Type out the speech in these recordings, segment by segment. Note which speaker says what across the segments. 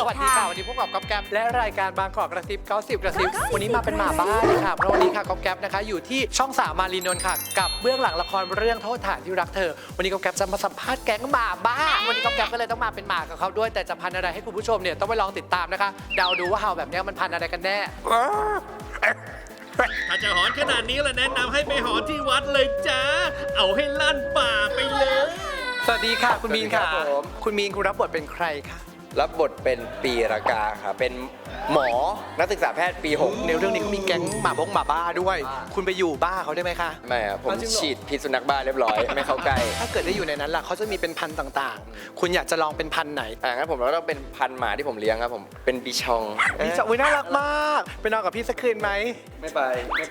Speaker 1: วัสดีค่ะวันนี้พบกับก๊อฟแก๊ปและรายการบางกอกกระซิบ90กระซิบวันนี้มาเป็นหมาบ้าเลยค่ะเพราะวันนี้ค่ะก๊อฟแก๊ปนะคะอยู่ที่ช่อง3มารีนนท์ค่ะกับเบื้องหลังละครเรื่องโทษฐานที่รักเธอวันนี้ก๊อฟแก๊ปจะมาสัมภาษณ์แก๊งหมาบ้าวันนี้ก๊อฟแก๊ปก็เลยต้องมาเป็นหมากับเขาด้วยแต่จะพันธุ์อะไรให้คุณผู้ชมเนี่ยต้องไปลองติดตามนะคะเดาดูว่าเห่าแบบนี้มันพันธุ์อะไรกันแน่
Speaker 2: ถ้าจะหอนขนาดนี้ละแนะนำให้ไปหอนที่วัดเลยจ้าเอาให้ลั่นป่าไปเลย
Speaker 1: สวัสดีค่ะคุณมีนค่ะ
Speaker 3: สวัสดีครับผม
Speaker 1: คุณมีนคุณรับบทเป็นใครคะ
Speaker 3: รับบทเป็นปีรากาค่ะเป็นหมอนักศึกษาแพทย์ปี 6
Speaker 1: ในเรื่องนี้เขามีแก๊งหมาบ้าด้วย คุณไปอยู่บ้าเขาได้ไหมคะ
Speaker 3: ไม่ครับผม
Speaker 1: เอาจริงเหรอ
Speaker 3: ฉีดพิษสุนัขบ้าเรียบร้อย ไม่เข้าใกล้
Speaker 1: ถ้าเกิดได้อยู่ในนั้นล่ะเขาจะมีเป็นพันธุ์ต่างๆ คุณอยากจะลองเป็นพันธุ์ไหน
Speaker 3: งั้นผมก็ต้องเป็นพันธุ์หมาที่ผมเลี้ยงครับผมเป็นบิชอง
Speaker 1: พี่จะอุ้ยน่ารักมากไปนอนกับพี่สักคืนไหม
Speaker 3: ไม่ไป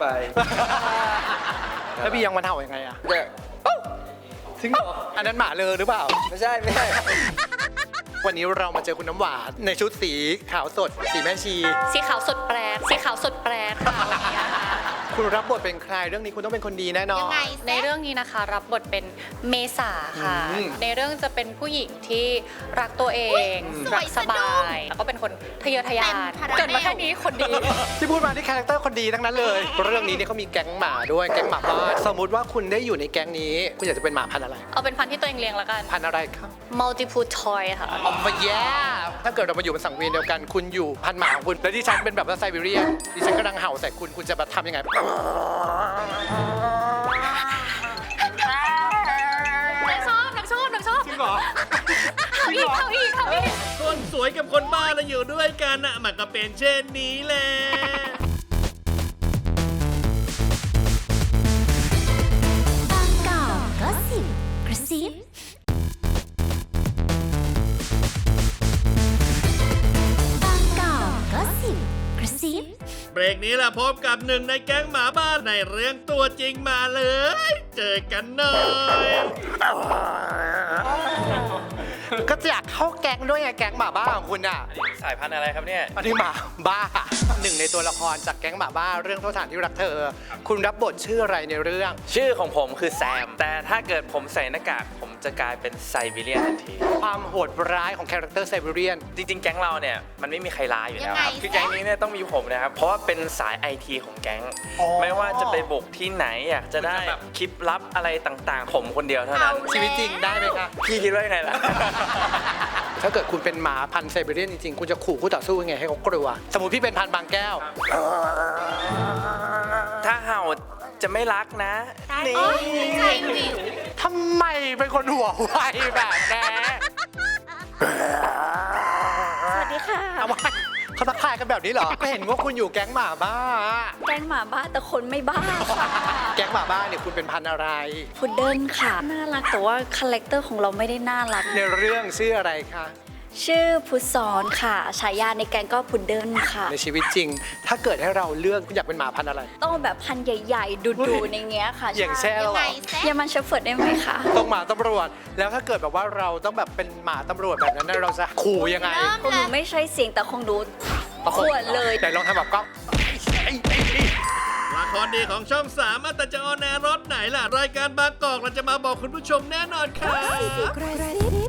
Speaker 1: แล้วพี่ยังมันเห่ายังไงอะ
Speaker 3: จะ
Speaker 1: จริงเหรออันนั้นหมาเลยหรือเปล่า
Speaker 3: ไม่ใช่
Speaker 1: วันนี้เรามาเจอคุณน้ำหวานในชุดสีขาวสดสีแม่ชี
Speaker 4: สีขาวสดแปลกสีขาวสดแปลกค่ะ
Speaker 1: คุณรับบทเป็นใครเรื่องนี้คุณต้องเป็นคนดีแน่นอน
Speaker 4: ยังไงในเรื่องนี้นะคะรับบทเป็นเมษาค่ะ
Speaker 1: อืม
Speaker 4: ในเรื่องจะเป็นผู้หญิงที่รักตัวเองรักสบายแล้วก็เป็นคนทะเยอทะยานเกิดมาแค่นี้คนดี
Speaker 1: ที่พูดมาที่คาแรคเตอร์คนดีทั้งนั้นเลย เรื่องนี้เนี่ยเขามีแก๊งหมาด้วยแก๊งหมาบ้านสมมุติว่าคุณได้อยู่ในแก๊งนี้คุณอยากจะเป็นหมาพันธุ์อะไร
Speaker 4: เอาเป็นพันธุ์ที่ตัวเองเลี้ยงแล้วกัน
Speaker 1: พันธุ์อะไรครับ
Speaker 4: multiple toy ค่ะ
Speaker 1: ออกมาแย่ถ้าเกิดเรามาอยู่เป็นสังเวียนเดียวกัน คุณอยู่พันหมาของคุณ แล้วที่ฉันเป็นแบบว่าไซบีเรียนดิฉันกำลังเห่าใส่คุณ คุณจะมาทำยังไง
Speaker 4: นางชอบจริงเหรอเขาอีก
Speaker 2: คนสวยกับคนบ้าเราอยู่ด้วยกันน่ะมันก็เป็นเช่นนี้แหละ
Speaker 5: บางกอกก็สิบกระซิบางกอกก็สิบกระซิบ
Speaker 2: เบรกนี้ล่ะพบกับหนึ่งในแก๊งหมาบ้าในเรื่องตัวจริงมาเลย เจอกันหน่อย
Speaker 1: ก็อยากเข้าแก๊งด้วยไงแก๊งหมาบ้าของคุณอ่ะ
Speaker 3: สายพันธุ์อะไรครับเนี่ย
Speaker 1: อันนี้หมาบ้าหนึ่งในตัวละครจากแก๊งหมาบ้าเรื่องโทษฐานที่รักเธอ คุณรับบทชื่ออะไรในเรื่อง
Speaker 6: ชื่อของผมคือแซม แต่ถ้าเกิดผมใส่หน้ากากผมจะกลายเป็นไซบีเรียนทันที
Speaker 1: ความโหดร้ายของคาแรคเตอร์ไซบีเรียน
Speaker 6: จริงๆ แก๊งเราเนี่ยมันไม่มีใครร้ายอยู่แล้วครับ
Speaker 5: ยังไง
Speaker 6: คือแก๊งนี้เนี่ยต้องมีผมนะครับ เพราะว่าเป็นสายไอทีของแก๊ง
Speaker 1: อ๋อ
Speaker 6: ไม่ว่าจะไปบุกที่ไหนอยากจะได้แบบคลิปลับอะไรต่างๆ ผมคนเดียวเท่านั้น
Speaker 1: ชีวิตจริงได้ไหมคะ
Speaker 6: พี่คิดว่ายังไงล่ะ
Speaker 1: ถ้าเกิดคุณเป็นหมาพันธุ์ไซบีเรียนจริงๆ คุณจะขู่คู่ต่อสู้ยังไงให้เขากลัว สมมติพี่เป็นพันธุ์บางแก้ว
Speaker 6: ถ้าเห่าจะไม่รักนะนี่
Speaker 1: ทำไมเป็นคนหัวไวแบบนี้
Speaker 5: สวัสดีค่ะ
Speaker 1: ทำไมเขาทักทายกันแบบนี้เหรอ ก็เห็นว่าคุณอยู่แก๊งหมาบ้า
Speaker 5: แก๊งหมาบ้าแต่คนไม่บ้าค่ะ
Speaker 1: แก๊งหมาบ้าเนี่ยคุณเป็นพันธุ์อะไร
Speaker 5: พุดเดิ้ลค่ะ น่ารักแต่ว่าคาแรคเตอร์ของเราไม่ได้น่ารัก
Speaker 1: ในเรื่องชื่ออะไรคะ
Speaker 5: ชื่อพุทธสอนค่ะ ฉายาในแก๊งก็พุดเดิ้ลค่ะ
Speaker 1: ในชีวิตจริง ถ้าเกิดให้เราเลือกคุณอยากเป็นหมาพันธุ์อะไร
Speaker 5: ต้องแบบพันธุ์ใหญ่ๆ ดุๆในเงี้ยค่ะ
Speaker 1: อย่างเช่นเหรอ
Speaker 5: ยามันเชฟเฟิร์ดได้ไหมคะ
Speaker 1: ต้องหมาตำรวจ แล้วถ้าเกิดแบบว่าเราต้องแบบเป็นหมาตำรวจแบบนั้นเราจะขู่ยังไง
Speaker 5: คงหนูไม่ใช่เสียงแต่คงดูขวดเลย
Speaker 1: แต่ลองทำแบบก็
Speaker 2: ละครดีของช่อง3แต่จะออนแอร์รถไหนล่ะ รายการบางกอกเราจะมาบอกคุณผู้ชมแน่นอนค่ะ
Speaker 5: กระซิบ